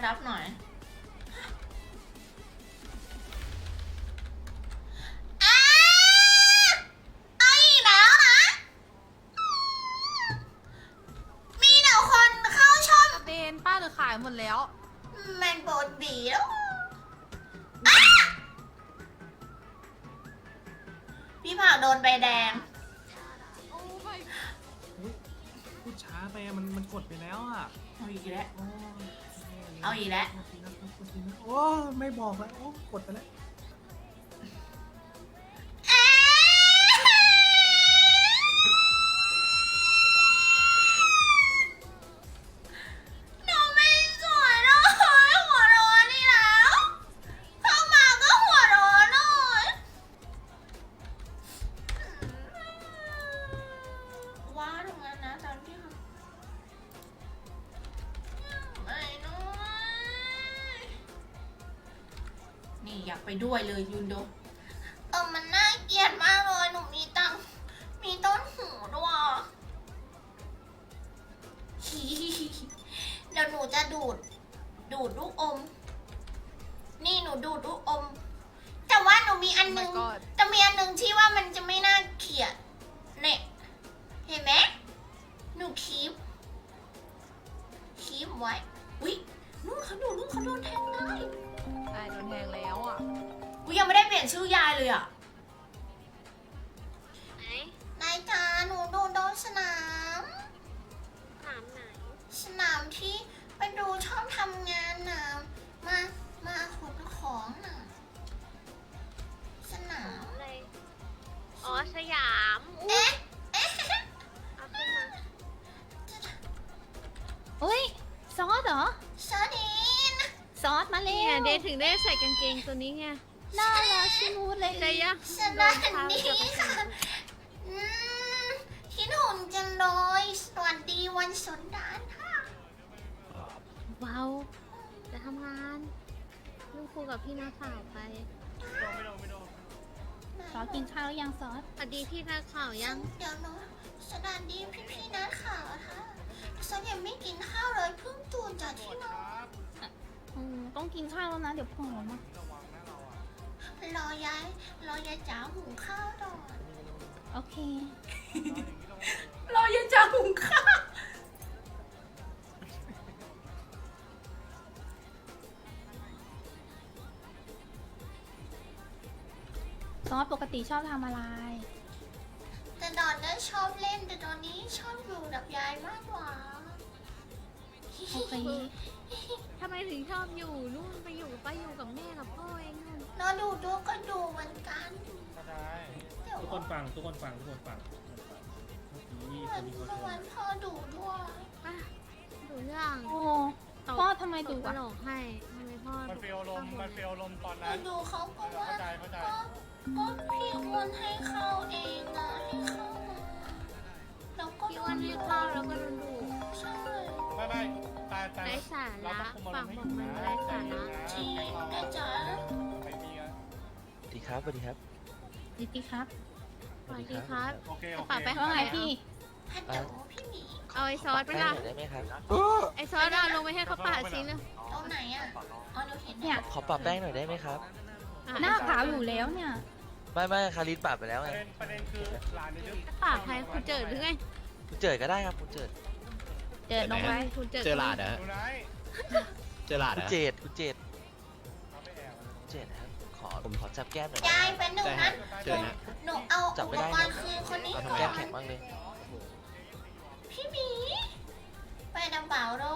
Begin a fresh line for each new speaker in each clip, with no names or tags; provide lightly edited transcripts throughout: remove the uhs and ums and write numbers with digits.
รับหน่อยเอาอีกแล้วนะมีแต่คนเข้าช่อง
เดนป้าหรือขายหมดแล้ว
มันปกติแล้วพี่ผักโดนใบแดง
โอ้ย
พูดช้าไปอะมันกดไปแล้วอ่ะ
เอาอีกแล้ว
โอ้ย
เอาอีกแล้ว
โอ้ไม่บอกแล้วโอ้กดไปแล้ว
หนูไม่สวยเลยหัวร้อนนี่แล้วเข้ามาก็หัวร้อนเลยว้าตรงนั้นนะตอนที่เขาไม่น้อยนี่อยากไปด้วยเลยยุนโดมันน่าเกลียดมากเลยหนูมีต้นหูด้วยเดี๋ยวหนูจะดูดลูกอม นี่หนูดูดลูกอม แต่ว่าหนูมีอันนึง
Oh my god
แต่มีอันนึงที่ว่ามันจะไม่น่าเกลียดเนี่ยเห็นไหมหนูคีบไว้ อุ๊ยนู่นเขาดูนู่นเขาโดนแทงเลย
ไอ้โดนแทงแล้วอ่ะ
อุ๊ยยังไม่ได้เปลี่ยนชื่อยายเลยอ่ะ
ไหน
นายจ๋าหนูโดนสนาม
ถามไหน
สนามที่ไปดูชอบทำงานน่ะมาขนของน่ะ สนาม
อะไร อ๋อ สยาม
เอ๊ะ
เอาขึ้นมา
อุ้ย ซอสเหรอ
สวัสดีนะ
ซอสมาเร็
เนี่ยว เดย์ถึงได้ใส่กางเกงตัวนี้ไง
น่ารักชิมูดเลย
ใจยะ
สวัสดีค่ะอืมคิดหุ่นจังเลยสวัสดีวันสงกรานต์ค่ะ
ว้าวจะทำงานลูกครูกับพี่นักข่าวไป
ซอสกินข้าวแล้วยังซอส
สวัสดีพี่นักข่าวยัง
เดี๋ยวนะสวัสดีพี่นักข่าวค่ะฉันยังไม่กินข้าวเลยเพิ่งตื่นจากที่นอน
ต้องกินข้าวแล้วนะ เดี๋ยวผอมอ่ะ
รอยายจ๋าหุงข้าวก่อน
โอเค
รอยายจ๋าหุงข้าว
ซอสปกติชอบทำอะไร
แต่ตอนนั้นชอบเล่นแต่ตอนนี้ชอบอยู่กับยายมากกว่า
โอเค
ทำไมถึงชอบอยู่นู่นไปอยู่กับป้าอยู่กับแม่กับพ่อเองนู่น
นอนดูตัวก็ดูเหมือนกัน
ก็ได้
เดี๋ยว
ทุกคนฟังเมื่อกี้คนนี้เขา
เมื่อวันพ่อดูด้วย
อ่ะดูเรื่อง
โอ้พ่อทำไมดุ
กระ
อ่ะ
โหลกให้ทำไมพ่อ
มันเฟลลมมันเฟลลมตอน
เรา
นั้น
ดูเขาก็ว่า
เข้าใจ
ก็พี่อ้วนให้เข้าเองอะให้เข้ามาแล้วก็
พี่อ้วันให้ข้าวแล้วก็โดนดู
ใช่
ไม่แต่
ไร้สา
เรา
ระ
ต้องคุม
ฝั่
อาง ร
บ
ม
อก
ณ์
มัน
ให้
ไร้สาระ
ที่แม่จ๋า
ใครมีอะ
สวัสดีครับสวัสดีครับ
ดิติครับ
สวัสดีครับ
โอเค
กระเป๋าไป
ว่าไงพี่
ฮัลโหลพี่หมี
เอาไอซอสไป
แป้
ละ
งหน่อยได้ไหมครับ
ไอซอสเอาลงไปให้เขาปาดสิเลย
ตรงไหนอะอ๋อหนูเห็น
เนี่ย
ขอปรับแป้งหน่อยได้ไหมครับ
อ่ะ
หน้าขาวอยู่แล้วเนี่ย
ไม่คาริสปรับไปแล้ว
ป
ไง
ระเด็นคือหลานในดื้อ
ปาดใครคุณเจิดหรือไง
คุณเจิดก็ได้ครับคุณเจิด
เดินลงไป
คุณเจิด
เจอหลาดเหรอ
ดูไหน
เจอหลาดเห
คุ
ร
ณ
อ
เจดคุณเจด
เอาไปแอบ
คุณเจดนะครับขอจับแก้มหน่อย
ยายเป็นหนึ่ง
ได้ค
นะ
รับเจอนะ
หนูเอา
จับ
อุ
ไม่
ป
ได้
กรณ์คือคนนี้
เอา
ก่
ทำ
อ
แก้ม
น
แข็งมากเลย
พี่หมีไปน้ำเปล่าเลย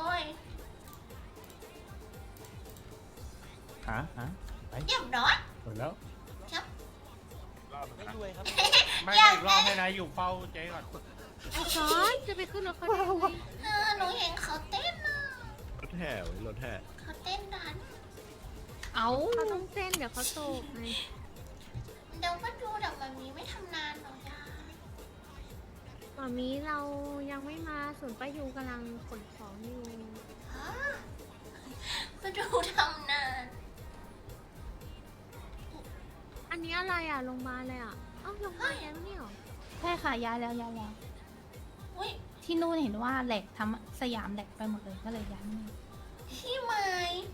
ฮะ
เรียบร้อย
หมดแล้ว
ไม่รวยครับ
ไม่อีกรอบให้นะอยู่เฝ้าเจ๊ก่อน
ไอซอสจะไปขึ้นรถเขาได้ไง
หนูเห็นเขาเต้นนะ
รถแห่เว้ยรถแห่
เขาเต้นดัน
เอา
เขาต้องเต้นเดี๋ยวเขาตกไง
เดี๋ยวก็ดูแต่มันมีไม่ทำนานหรอกยาย
ตอนนี้เรายังไม่มาส่วนป้ายูกำลังขนของอยู่
ฮะก็ดูทำนาน
อันนี้อะไรอ่ะโรงพยาบาลเลยอ่ะเอ้าโรงพยาบาลแล้วเนี่ยเหรอ
ใช่ค่ะย้ายแล้วย้ายแล้ว
อุ้ย
ที่นู่นเห็นว่าแหลกทำสยามแหลกไปหมดเลยก็เลยย้ายมานี่
พี่ไม้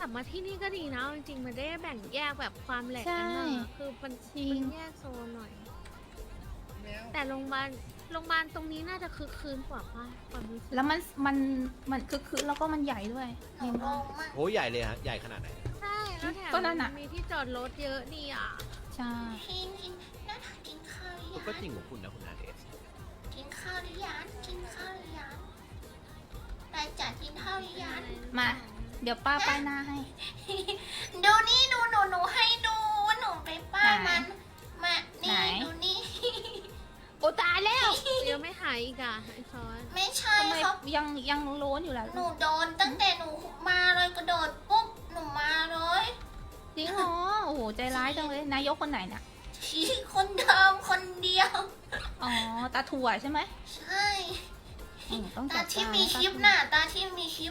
ลับมาที่นี่ก็ดีนะจริงๆมันได้แบ่งแยกแบบความแหลกกันบ้างอะคือมัน
จริง
แยกโซนหน่อย แต่โรงพยาบาลตรงนี้น่าจะคึกคืนกว่าป่ะความรู้สึก
แล้วมันคือแล้วก็มันใหญ่ด้วย
หนูลงมาก
โหใหญ่เลยฮะ ใหญ่ขนาดไหน
ใช่แล้วแถม
ก็นั่นอะ
มีที่จอดรถเยอะดีอ่ะ
ใช่
กินน่าทานกินข้าวหรือยัง
ก็จริงของคุณนะคุณนาเดช
กินข้าวหรือยังกินข้าวหรือยังได้จัดกินข้าวหรือยัง
มา เดี๋ยวป้าป้ายหน้าให้
ดูนี่หนูให้ดูว่าหนูไปป้าย
ไหน
มันมา
ไหน
นี่ดูนี่
โอ้ตายแล้ว
ยังไม่หายอีกอ่ะไอซอส
ไม่ใช่
ทำไม
ครับ
ยังโล้นอยู่ล่ะ
หนูโดนตั้งแต่หนูมาเลยกระโดดปุ๊บหนูมาเลย
จริงเหรอโอ้โหใจร้ายจังเลยนายกคนไหนน่ะ
ชี้คนเดิมคนเดียว
อ๋อตาถั่วใช่ไหม
ใช่
ต้อง
ตา
จัด
ที่
การ
มีคลิปน่ะตาที่มีคลิป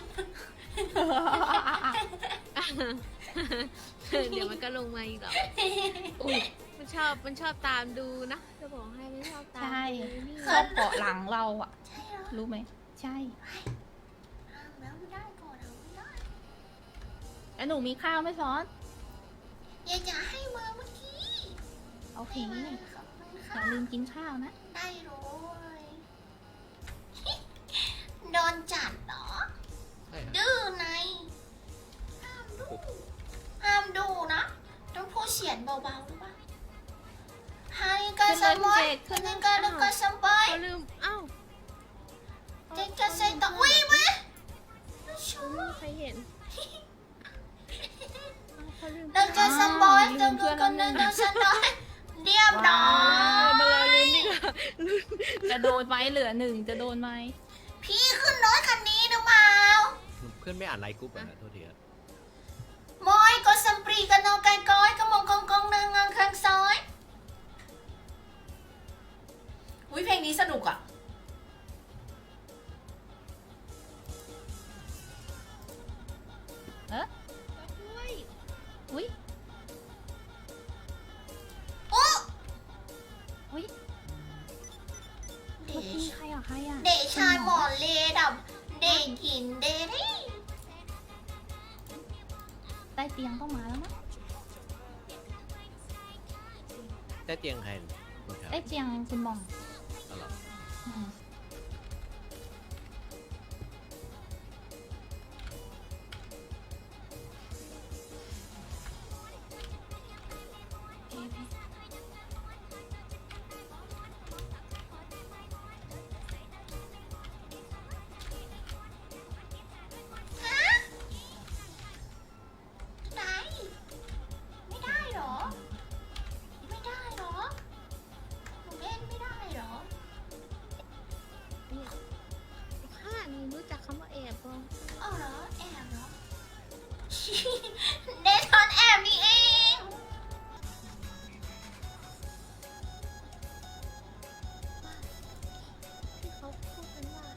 เดี๋ยวมันก็ลงมาอีกหรอก
อุ้ย
มันชอบตามดูนะจะบอกให้มันชอบตาม
ใช่
ดูนี่
ชอบเกาะหลังเราอ่ะ
ใช่เหรอ
รู้ไหมใช่
ห้ามแล้วไม่ได้ก่อนแล้วไม่ได้
แล้วหนูมีข้าวไหมซอส
อยากให้มาเมื่อกี้
โอเค
ให้
อ
มาขอบคุณ
ย่า
ค่ะ
ลืมกินข้าวนะ
ได้เลย โดนจัดเหรอ
ใช่ฮะ
ดื้อในห้ามดูห้ามดูนะต้องพูดเสียงเบาๆรู้ปะฮาริกาซัมบอยฮาริกาลูกาซัมบอย
เขาลืมเอ้า
เจ๊จะใส่ต่อวิ่งไหมชู
ไม่มีใครเห็นเขาลืม
ลูกาซัมบอยตัวกูคนนึงตัวฉันน้อยเรียบร้อย
มาเลยลุ้นดีกว่า
จะโดนไหมเหลือหนึ่งจะโดนไหม
พี่ขึ้นรถคันนี้หรือเปล่า
เพื่อนไม่อ่านไลน์กรุ๊ปอ่ะนะโทษทีฮะ
มอยก็สัมปรีกันนอไก่ก้อยกระมงกองกองนางงางข้างซ้ายอุ้ยเพลงนี้สนุกอ่ะ
อุ้ย
โอ้
อุ้ย
เด
เมื่อกี้
ช
ใครอ่ะใครอ่ะ
เดชายหมอเลดับเดกินเดรี่
ใต้เตียงต้องมาแล้วมั้ง
ได้เตียงใครคุณครับ
ใต้เตียงคุณหมอง
อ๋อเหรอ
อืม
ฮะได้ไม่ได้เหรอ ไม่ได้เหรอหนูเล่นไม่ได้เหรอ
ข้านี่รู้จักคำว่าแอบปะ
เอาเหรอแอบเหรอ เดทอนแอบนี่เอง
ที่เขาพูดกันว่า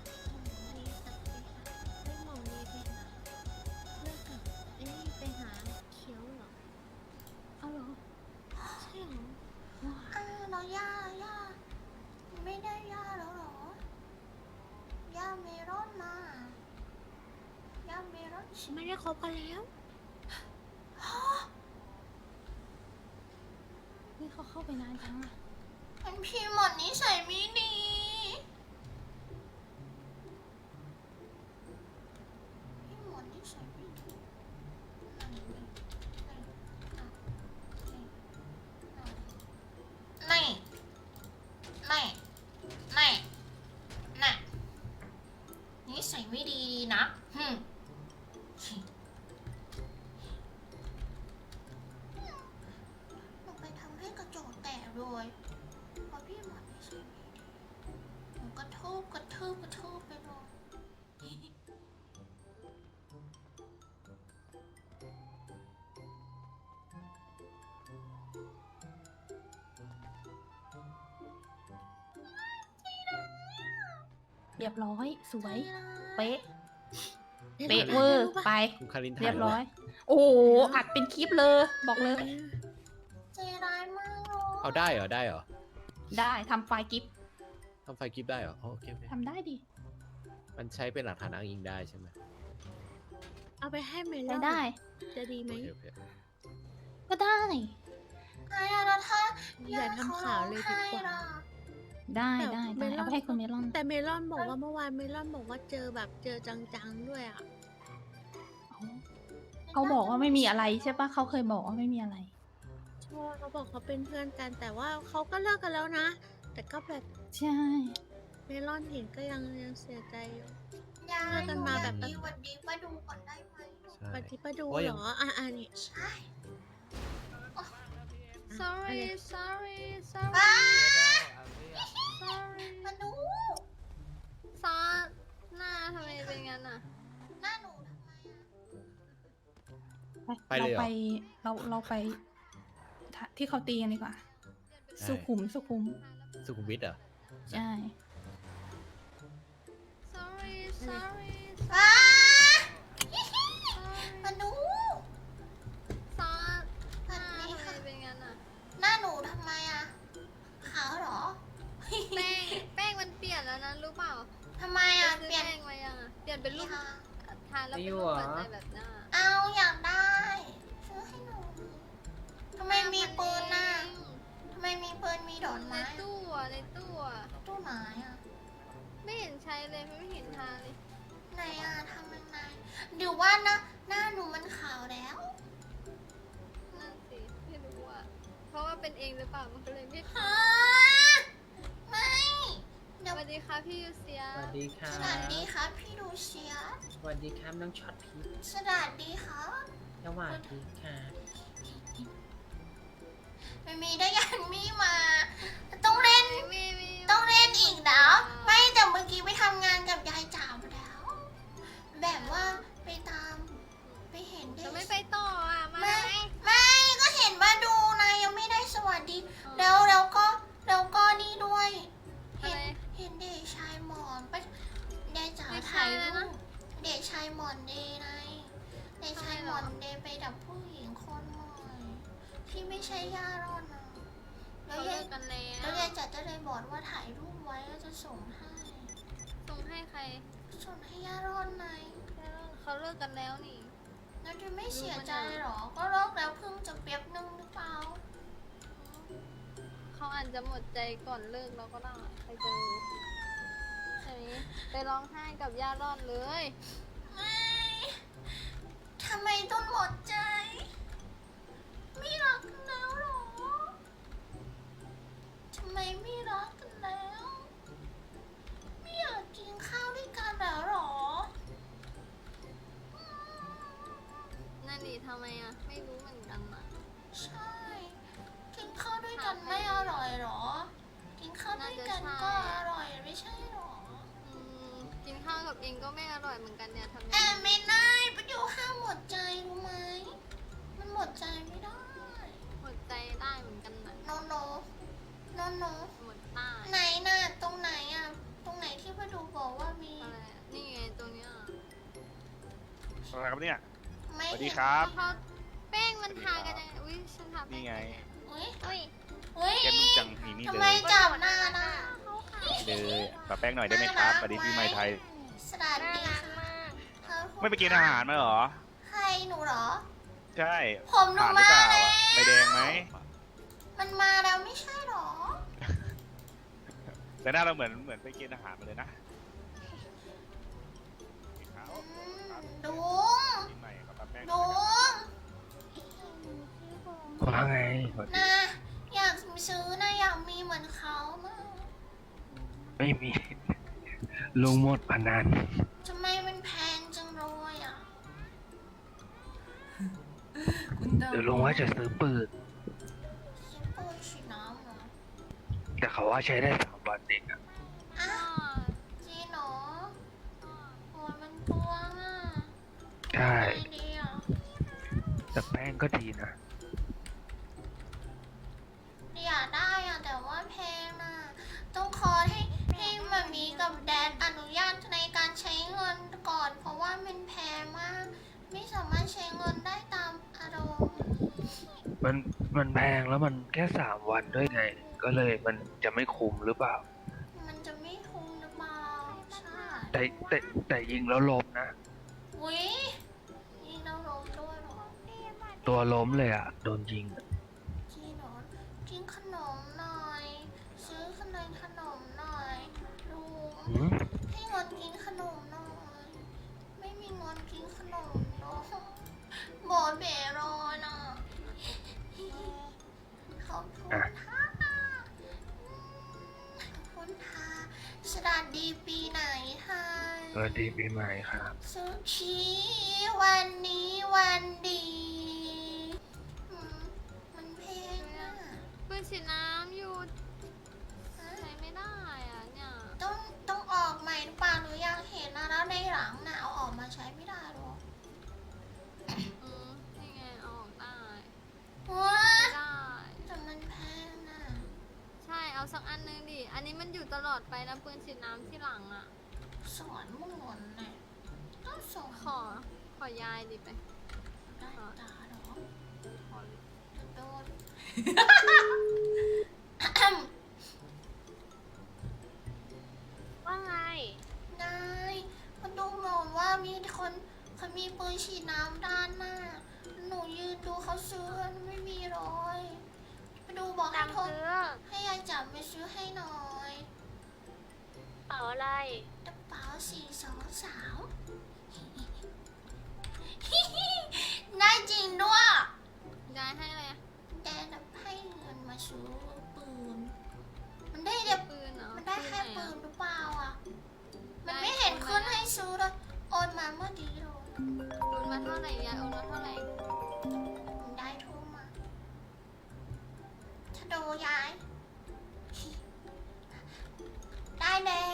หมอเนกับไปหาเลิกกับไอ้นี่ไปหาเขียวเหรอ
เอาเหรอ
ใช่เหรอ
เราย่าไม่ได้ย่าแล้วเหรอย่าเมรอนมาย่าเมรอน
ไม่ได้คบกันแล้ว
นี่เขาเข้าไปนานจังอ่ะ
มันพี่หมดนิสัยไม่ดีพี่หมดนิสัยไม่ดีนี่นิสัยไม่ดีนะหนูไปทำให้กระจกแตกเลยเพราะพี่หมดนิสัยไม่ดีหนูกระทืบไปเลย
เรียบร้อย สวย
ไป
เป๊ะ เป๊ะเวอร์ไป
คุณคารินถ่า
เรียบร้อย
ไว้
โอ้โหอัดเป็นคลิปเลย บอกเลย
ใจร้ายมากเลย
เอาได้เหรอ ได้เหรอ
ได้ทำไฟล์กิฟ
ทำไฟล์คลิปได้เหรออ๋อโอเคโอเค
ทำได้ดิ
มันใช้เป็นหลักฐานอ้างอิงได้ใช่ไหม
เอาเอาไปให้เมล
ไป
อน
ได้
จะดีไหม
โอเค
ก็ได้
ไอ้อะแล้วถ้า
อย่าทำข่าวเลยดีกว่า
ได้
แต่
ได้
เม
ได้
ลอน
เอาไปให้คุณเมลอน
แต่เมลอนบอกว่าเมื่อวานเมลอนบอกว่าเจอแบบเจอจังๆด้วยอ่ะ
เขาบอกว่าไม่มีอะไรใช่ปะเขาเคยบอกว่าไม่มีอะไร
ใช่เขาบอกเขาเป็นเพื่อนกัน แต่ว่าเขาก็เลิกกันแล้วนะ แต่ก็แบบ
ใช่
เมลอนเห็นก็ยังเสียใจอยู่
ยาย
เลิกกันมาแบบ
ดีวันดีมาดูก่อนได้ไหม
ใช่
ปฏิปดู
เพราะ
เห
ยั
รง ออ่ะนี่
ใช่
sorry
sorry
ว้า
sorry
มาดู
ซอสหน้าทำไมเป็นงั้นอ่ะ
หน้าหนูทำไมอะ
ไปเลยเหรอ
เราไปที่เขาตีกันดีกว่า
ใช่
สุขุม
สุขุมวิทเหรอ
ใช่ sorry sorry
ว้ามาดู
ซอส
แบบนี้ค่ะ
เป็นงั้นอ่ะ
หน้าหนูทำไมอะขาวเหรอ
แป้งมันเปลี่ยนแล้วนะรู้เปล่า
ทำไมอะเปลี่ยน
แป้งมายังอ่ะเปลี่ยนเป็นรูป
ค่ะ
ทานแล้วเป็นรูปหัวใจแบบหน้า
เอาอยากได้ซื้อให้หนูทำไมมีปืนน่ะทำไมมีปืนมีดอก
ใน
ไม้
ตู้อ่ะในตู้อ่ะ
ตู้ไหนอะ
ไม่เห็นใช้เลยไม่เห็นทานเลย
ไหนอะทำยังไงหรือว่านะหน้าหนูมันขาวแล้ว
นั่นสิไม่รู้อ่ะเพราะว่าเป็นเองหรือเปล่ามันก็เลยไม่
ฮะไม่
สวัสดีค่ะพี่ยูเซีย
สวัสดีครั
สวัสดี
บ
ครับพี่ดูเชียร์
สวัสดีครับน้องช็อตพีช
สวัสดีครับ
สวัสดีครับ
ไม่มีได้ยันมีมา ต้องเล่น ต้องเล่นอีกแล้ว ไม่แต่เมื่อกี้ไปทำงานกับยายจ๋ามาแล้ว แบบว่าไปตาม ไปเห็นเด็
จะ
ก
ไม่ไปต่ออ่ะมา
ไม่ก็เห็นว่าดูนะยังไม่ได้สวัสดี แล้วก็นี่ด้วย เห็นเด็กชายหมอนไปยายจ๋าถ่ายรูปเด็กชายหมอนเดย์ไงเด็กชายหมอนเดย์ไปดับผู้หญิงคนใหม่ที่ไม่ใช่ย่ารอดนะแล้
เขา
ว
เลิ
ยาย
กกันแล้ว
แล้วยายจ๋าจะเลยบอกว่าถ่ายรูปไว้แล้วจะส่งให้
ส่งให้ใคร
ส่งให้ย่ารอดไง
เขาเลิกกันแล้วนี่
แล้วจะไม่เสียใจหรอ ก็เลิกแล้วเพิ่งจะเปียบนึงหรือเปล่า
เขาอาจจะหมดใจก่อนเลิกแล้วก็ได้ใครจะรู้ใช่ไหมไปร้องไห้กับย่ารอดเลย
ไม่ทำไมต้องหมดใจ ไม่รักกันแล้วหรอ ทำไมไม่รักกันแล้ว ไม่อยากกินข้าวด้วยกันแล้วหรอ
นั่นดิทำไมอ่ะไม่รู้เหมือนกันอ่ะ
ใช่ กินข้าวด้วยกันไม่อร่อยหรอ กินข้าวด้วยกันก็อร่อยไม่ใช่หรอ
อืมกินข้าวกับเองก็ไม่อร่อยเหมือนกันเนี่ยทำไง
แอบไม่ได้ประเดี๋ยวห้ามหมดใจรู้ไหม มันหมดใจไม่ได้
หมดใจได้เหมือนกันนะ
โนโนโนโน
หมดใต้
ไหนน่ะตรงไหนอ่ะ ตรงไหนที่ประดูบอกว่ามี
อะไรอะนี่ไงตรงเนี้ย
อะไรครับเนี่ย
ไม่
สวัสดี
เห็น
ครับ
เพราะแป้งมันทากันยังไงอุ้ยฉันทาแป้
นี่
ง
ไง
อุ้ย
อุ้ย
อุ้ย
แกนุ่มจังมีนี่
ทำ
เล
ไม
ย
จับหน้าได้
เลยปะแป้งหน่อยได้ไหมครับสวัสดีพี่ใหม่ไทย
สวัสดีค่ะเธอพูด
ไม่ไปกินอาหารมาเหรอ
ใครหนูเหรอ
ใช่
ผมหนู
ผ่านหรือ
มา
เปล่า
แล้ว
อะใบแดงไหม
มันมาแล้วไม่ใช่หรอ
แต่หน้าเราเหมือนไปกินอาหารมาเลยนะขาว
ดุง
ปีใหม่กับปะแป้ง
ดุง
ว่าไง
นะอยากซื้อนะอยากมีเหมือนเขานะ
ไม่มี ลุงหมดพนัน
ทำไมมันแพงจังเลยอ่ะ
เดี๋ยวลุงว่าจะซื้อปืน
ซื้อปืนฉีดน้ำเหรอ
แต่เขาว่าใช้ได้3 วันเองอะ
อ้าวจริงเหรอโอ้ยมันเปลืองอ่ะ
ใช่
ไอเดีย
แต่แป้งก็ดีนะ
อยากได้อ่ะแต่ว่าแพงน่ะต้องขอให้มามีกับแดดอนุญาตในการใช้เงินก่อน เพราะว่ามันแพงมาก ไม่สามารถใช้เงินได้ตามอารมณ์
มันแพงแล้วมันแค่3 วันด้วยไง ก็เลยมันจะไม่คุ้มหรือเปล่า
มันจะไม่คุ้มหรือเปล่าใช่
แต่ยิงแล้วลบนะ
อุ้ยย
ตัวล้มเลยอ่ะ โดนยิงอะ
จีนอนกินขนมหน่อย ซื้อขนมหน่อยลุง
หืม
ให้เงินกินขนมหน่อย ไม่มีเงินกินขนมเนาะหมอเบรอน่ะขอบคุณค่ะขอบคุณค่ะสวัสดีปีไหนคะ
สวัสดีปีใหม่ครับ
สุขีวันนี้วันดีมันเพลงอ่ะ
ปืนฉีดน้ำหยุดใช้ไม่ได้อ่ะเนี่ย
ต้องออกใหม่หรือเปล่าหนูอยากเห็นนะแล้วในหลังน่ะเอาออกมาใช้ไม่ได้หรอ
นี่ไงเอาออกได้
ว้า
ไม่ได้
แต่มันแพงน่ะ
ใช่เอาสักอันนึงดิอันนี้มันอยู่ตลอดไปนะปืนฉีดน้ำที่หลังอ่ะ
สอนมุ่งหนน่ะต้องสอน
ขอยายดิไป
ได้ตาเหรอ
ขอ
โดน
ว่าไง
นายมันดูเหมือนว่ามีคนเขามีปืนฉีดน้ำด้านหน้า หนูยืนดูเขาซื้อไม่มีเลย ไปดูบอกให้
ตาม
โทร
ซื้อ
ให้ยายจับไปซื้อให้หน่อย
เป๋าอะไร
กระเป๋า423 ได้จริงด้วย
ยายให้อะไรอะ
แต่ให้เงินมาซื้อปืน มันได้แต่
ปืนเหรอ
มันได้แค่
ไหน
ปื
อะ
นหรือเปล่าอ่ะ มัน
ได้
ไม่เห็น
ปืน
ขึ้น
มา
ให้ซื้อเลยโอนมาเมื่อดีเลย
โอนมาเท่าไหร่ยายโอนมาเท่าไหร่
มันได้ทุ่มมาถ้าดูยาย ได้แล้ว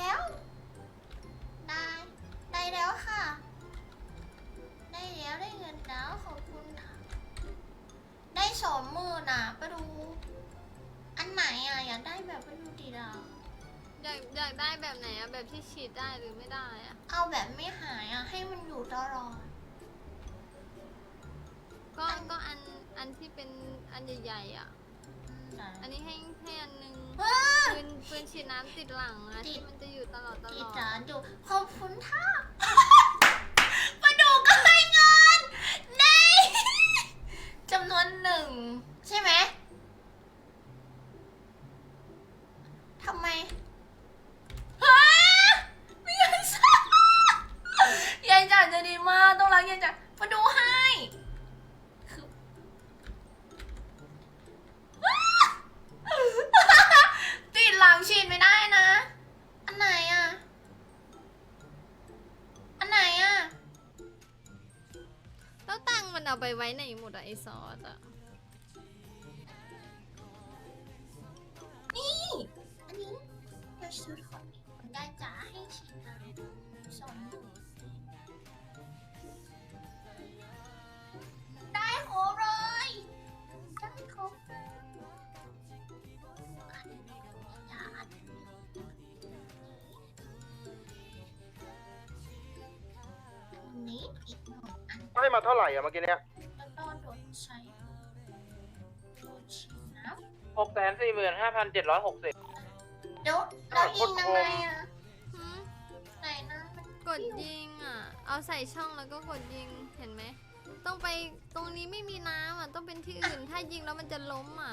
ได้แล้วค่ะ ได้แล้วได้เงินแล้วขอบคุณค่ะ ได้20,000อ่ะไปดู อันไหนอ่ะอยากได้แบบไปดูดีเรา
อยากได้แบบไหนอะแบบที่ฉีดได้หรือไม่ได้อะ
เอาแบบไม่หายอ่ะให้มันอยู่ตลอด
ก็อันที่เป็นอันใหญ่ๆอะอันนี้ให้อันนึงปืนฉีดน้ำติดหลังอะที่มันจะอยู่ตลอด
ดีจ้าดูขอบคุณค่ะ
ๆ
มาดูก็ให้เงินได้จำนวน1ใช่ไหมทำไมฮะไม่ยายจ๋ายายจ๋าจะดีมากต้องรักยายจ๋ามาดูให้คือติดหลังฉีดไม่ได้นะ อันไหนอ่ะ อันไหนอ่ะ
แล้วตังค์มันเอาไปไว้ไหนหมดอะไอซอสอะ
นี่ อันนี้เดี๋ยวซื้อของยายจ๋าให้ฉีดน้ำ20,000ได้ครบเลยได้ครบจ๋าอันนี้อีกหนึ่งอัน
ให้มาเท่าไหร่อะเมื่อกี้เนี้ย
แล้วก็โดนใช้โดนฉีดน้ำ
645,760
เดี๋ยวเรายิงยังไงอะ
หืม
ไหนนะมัน
กดยิงอะเอาใส่ช่องแล้วก็กดยิงเห็นไหมต้องไปตรงนี้ไม่มีน้ำอะต้องเป็นที่อื่นถ้ายิงแล้วมันจะล้มอะ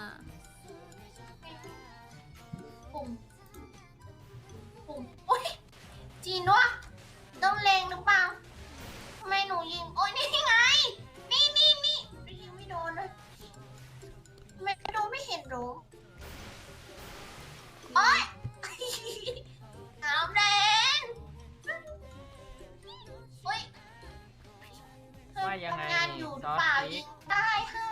ปุ่มโอ้ยจีนวะต้องเลงหรือเปล่าทำไมหนูยิง โอ้ยนี่ไง นี่ยิงไม่โดนเลยไม่โดนไม่เห็นหรอโอ้ยน้ำแดงโอ้ย
ว่ายังไง
ทำงานอยู่หรือเปล่า
ซอสพริ
ยิ
ก
งได้ค่ะ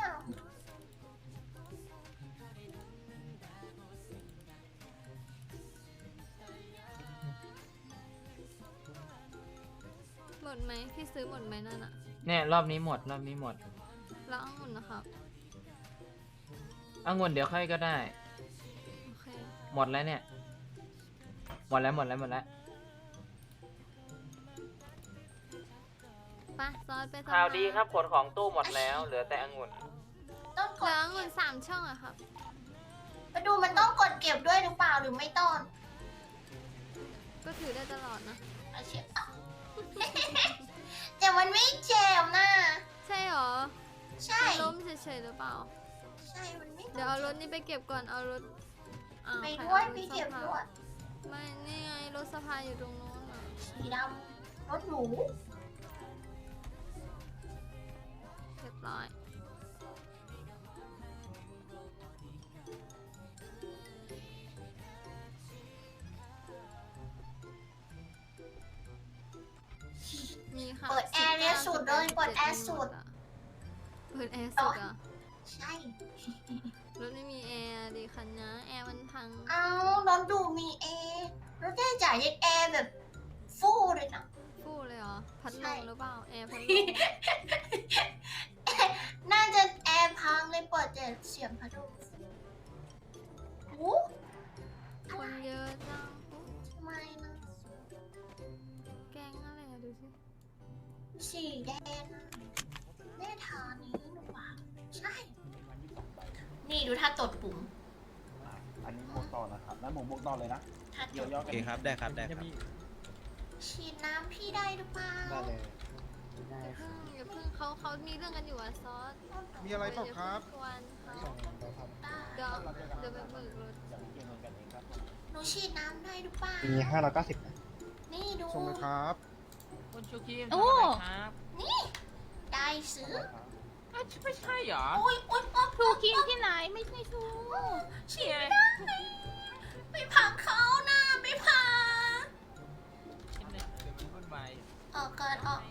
หมดไหมพี่ซื้อหมดไหมนั่นอะ
เนี่ยรอบนี้หมด
แล้วองุ่นนะครับ
องุ่นเดี๋ยวค่อยก็ได้
โอเค
หมดแล้วเนี่ย หมดแล้ว
ไปซอสไปทำ
ข่าวดี
งน
ครับขนของตู้หมดแล้ว เหลือแต่องุ่น
ต้องก
เหลื
ด
อองุ่น3 ช่องอะครับ
มาดูมันต้องกดเก็บด้วยหรือเปล่าหรือไม่ต้อง
ก็ถือได้ตลอดนะ
เอาเช็ดแต่มันไม่เจ็บนะ
ใช่หรอ
ใช่
ล้มเฉยๆหรือเปล่า
ใช่มันไม่
เดี๋ยวเอารถนี้ไปเก็บก่อน เอารถอ้าว
ไป
ใคร
ด้วย
อา
ไป
รถ
เก็บ
สภา
ด้วย
ไม่ นี่ไงรถสภาอยู่ตรงโน้นอ่ะ
สีดำรถหรู
เรียบร้อย มีค่ะ
เปิดแอร์เนี่ยสุดเลยเปิดแอร์สุด
เปิดแอร์สุดอ่ะ
ใช่
รถไม่มีแอร์ดิคันนะแอร์มันพัง
เอารถดูมีแอร์รถได้จ่ายแอร์แบบฟู่เลยนะ
ฟู่เลยเหรอ พัดล
ใช่
มหรือเปล่า แอร์พัดลม
น่าจะแอร์พังเลยเปิดแต่เสียงพัดลมโอ้
คนเยอะจัง
ทำไมนะ
แกงอะไรอะดูสิ
สีแดงอะแม่ทานี้หรือเปล่าใช่ นี่ดูท่าตดปุ่ม
อันนี้บวกต่อนะครับ แล้วหมูบวกต่อเลยนะ
ท่าต
เกี่ยว
ด
ย่อ
โอ
กัน
เคครับ ได้ครับ ได้ครับ
ฉีดน้ำพี่ได้หรือเปล่า
ได้เลย
อย่าเพิ่งเขามีเรื่องกันอยู่อะซอส
มีอะไรเปล่าครับ
อย่าเพิ่งกวนเขา
ส่งเราทำ
ได้
เดี๋ยวเดี๋ยวไปเบิกรถ
อย่างเกี่ยวเงินกันเองครับ
หนูฉีดน้ำได้หรือเปล่า
มี590นะ
นี่ดู
ส่งเลยครับ
คุณชูคีม
โอ้
ทำอะไรครับ
นี่ได้ซื้อ
อ้าวไม่ใช่เหรอ
โอ้ยโอ๊ยโอ๊ย
ทูกินที่ไหนไม่ใช่ทู
ฉีดไม่ได้ไปพักเขานะไปพัก
ชิ้นหนึ่งเดี๋ยวมันวุ่นวาย
ออกก่อนออก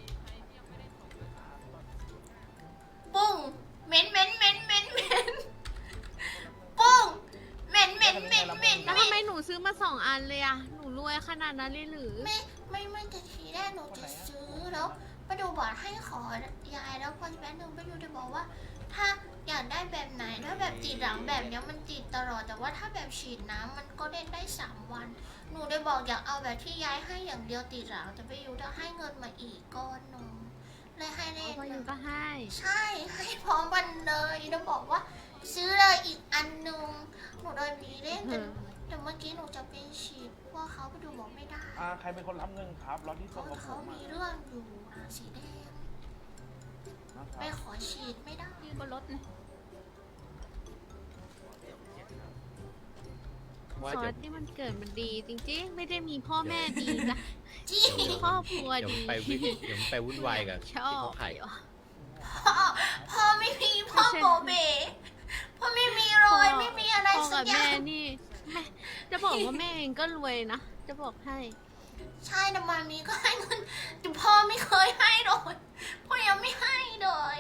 ปุ้งเหม็นเหม็นเหม็นเหม็นเหม็นปุ้งเหม็นเหม็นเหม็นเหม็น
แล้ว
เหม็
ทำไม
น
หนูซื้อมา2 อันเลยอะหนูรวยขนาดนั้นเลยหรือ
ไม่แต่ทีแรกหนูจะซื้อแล้วไปดูบอกให้ขอยายแล้วพอแป๊บนึงไปดูจะบอกว่า ถ้าอยากได้แบบไหนถ้าแบบติดหลังแบบเนี้ยมันติดตลอดแต่ว่าถ้าแบบฉีดน้ำมันก็เล่นได้3 วัน หนูได้บอกอยากเอาแบบที่ย้ายให้อย่างเดียวติดหลังแต่ไปอยู่จะให้เงินมาอีกก้อนหนึงเลยให้เล่น
พออยู่
นะ
ก็ให้
ใช่ให้พร้อมกันเลยแล้วบอกว่า ซื้อเลยอีกอันหนึงหนูเลยมีเล่นแต่เมื่อกี้หนูจะไปฉีดเพราะเขาไปดูบอกไม่ได้
ใครเป็นคนรับเงินครับรถที่ส่งกับผ
เขา
ม
มีเรื่องอยู่นะสีแดง
นะค
ไป
รับ
ขอฉีดไม่ได้
ยืนบนรถเลย
ว่า
ซอ
เดี๋ยว
สที่มันเกิดมันดีจริงๆ ไม่ได้มีพ่อแม่ดีนะ
จี้
มีครอบครัว
เดี๋ยว
ดี
ไปเดี๋ยวไปวุ่นวายกับ
ช
ที่
อบ
เขาไข่
พ่อไม่มีพ่อโบเบพ่อไม่มีรอยไม่มีอะไร
พ่อ
สั
กั
ก
บ
อย่า
แม่
ง
นี่แม่จะบอกว่าแม่เองก็รวยนะ จะบอกให้
ใช่แต่มามีก็ให้เงินแต่พ่อไม่เคยให้เลยพ่อยังไม่ให้เลย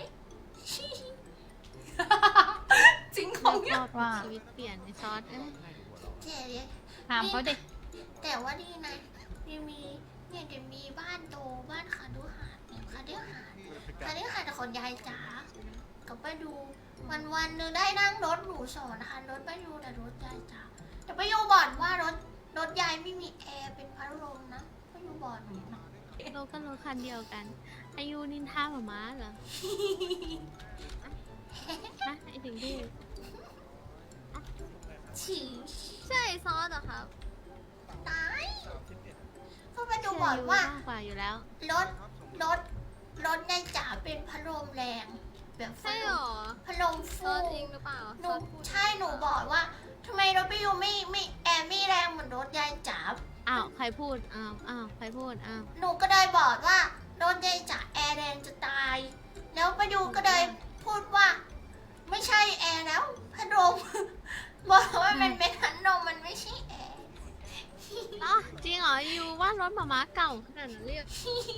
จริงของ
ค
เนี่
ร
ย
อบว่าชีวิตเปลี่ยนในซอสเอ้ย
เจ๊เนี่ย
ถามเขาดิ
แต่ว่าดีนะมีเนี่ยจะมีบ้านโตบ้านคาดุหาดเนี่ยคาดุหาดของยายจ๋ากับป้าดูวันหนึงได้นั่งรถหรู2 คันรถป้าดูแต่รถยายจ๋าแต่ป้าดูบอกว่ารถยายไม่มีแอร์เป็นพัดลมนะป้าดูบอกหนูนะ
เราก็รถคันเดียวกัน อายุนินทาหมาม้าเหรอฮะไอถึงดู
ฉี่
ใช่ซอสเหรอครับ
ตายเพราะป้าดูบอกว่า
มากกว่าอยู่แล้ว
รถยายจ๋าเป็นพัดลมแรงแบบ
ใช่เหรอ
พัดลม
ซ
ฟู
อสจริงหรือเปล่า
ห
ซ
นู
อสพูด
ใช่หนูบอกว่าทำไมรถพี่ยูไม่แอร์ไม่แรงเหมือนรถยายจ๋า
อ้าว ใครพูด อ้าว ใครพูด อ้าว
หนูก็เลยบอกว่ารถยายจ๋าแอร์แรงจะตาย แล้วป้ายูก็เลยพูดว่า ไม่ใช่แอร์แล้วพัดลม บอกว่ามันเป็นพัดลมมันไม่ใช่แอร์
อ๋อ จริงเหรอยูว่ารถหมาม้าเก่าขนาดนั้นเรียก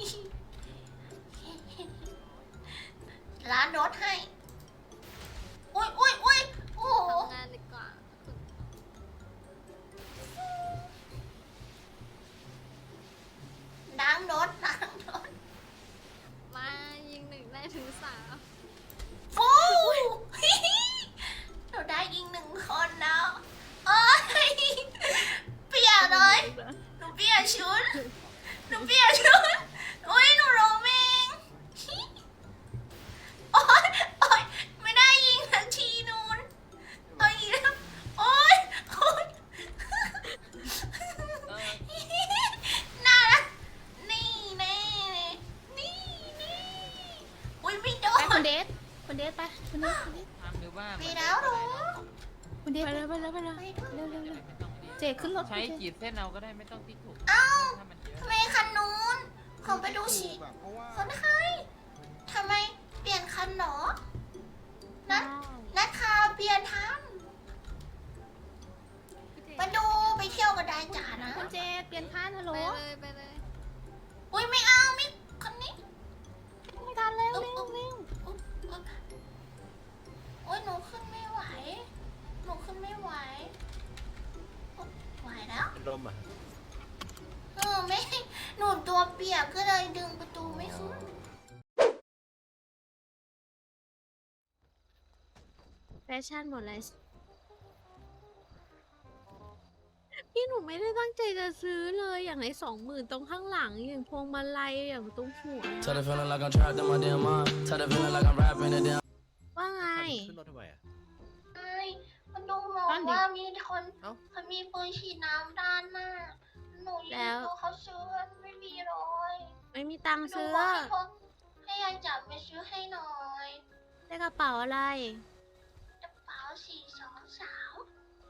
ร้านรถให้ อุ้ยโอ้โห
ทำงานดีกว่า
ล้างรถ
มายิง1ได้ถึง3
ฟู หนูได้อีก1 คนแล้วเอ้ยเปียกเลย หนูเปียกชุด อุ้ยหนูโรมิงโอ๊ยโอ๊
สไปคุณเดส
ทำหรือว่า
ไปแล้วหนู
คุณเดสไปเลย
ไปด้วย
เร็ว
ไม่ต้องรีบ
เจขึ้นรถ
ใช้ขีดเส้นเอาก็ได้ไม่ต้องติ๊กถูก
เอ้า
ถ้ามันเยอะ
ทำไมคันนู้นของไปดูสิคนไข้ทำไมเปลี่ยนคันหรอนัดคาเปลี่ยนทันมาดูไปเที่ยวกันได้จ้านะ
คุณเจเปลี่ยนคันฮัลโหล
ไปเลย
อุ้ยไม่เอาไม่คันนี้
ไม่ทันแล้วเร็ว
โอ้ยหนูขึ้นไม่ไหวหนูขึ้นไม่ไหวไหวแล้ว
เป็นลมอ่ะ
ไม่หนูตัวเปียกก็เลยดึงประตูไม่ขึ้น
แฟชั่นหมดเลยพี่หนูไม่ได้ตั้งใจจะซื้อเลยอย่างไร20,000ตรงข้างหลังอย่างพวงมาลัยอย่างตรงหัวว่าไง
ขึ้นรถทำไมอ่ะ
ใช่มันดูบอกว่ามีคนเขามีปืนฉีดน้ำด้านหน้าหนูยืนดูเขาซื้อไม่มีเลย
ไม่มีตังค์
หนู
ซื้อ
บอกให้ยายจับไปซื้อให้หน่อย
ได้กระเป๋าอะไร
กระเป๋า423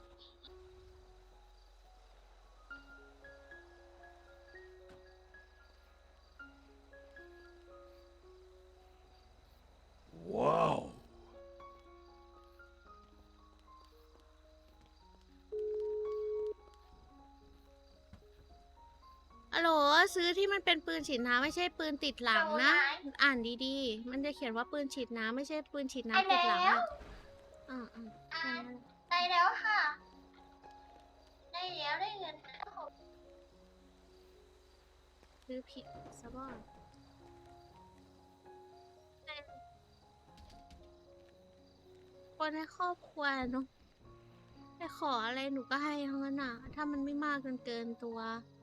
ฮัลโหลซื้อที่มันเป็นปืนฉีดน้ำไม่ใช่ปืนติดหลังนะ อ่านดีๆ มันจะเขียนว่าปืนฉีดน้ำไม่ใช่ปืนฉีดน้ำติดหลังอะอ่า
ได้แล้วค่ะ ได้แล้วได้เงินแล้ว
ซื้อผิดซะบ้างคนในครอบครัวเนาะไปขออะไรหนูก็ให้ทั้งนั้นอ่ะ ถ้ามันไม่มากจนเกินตัว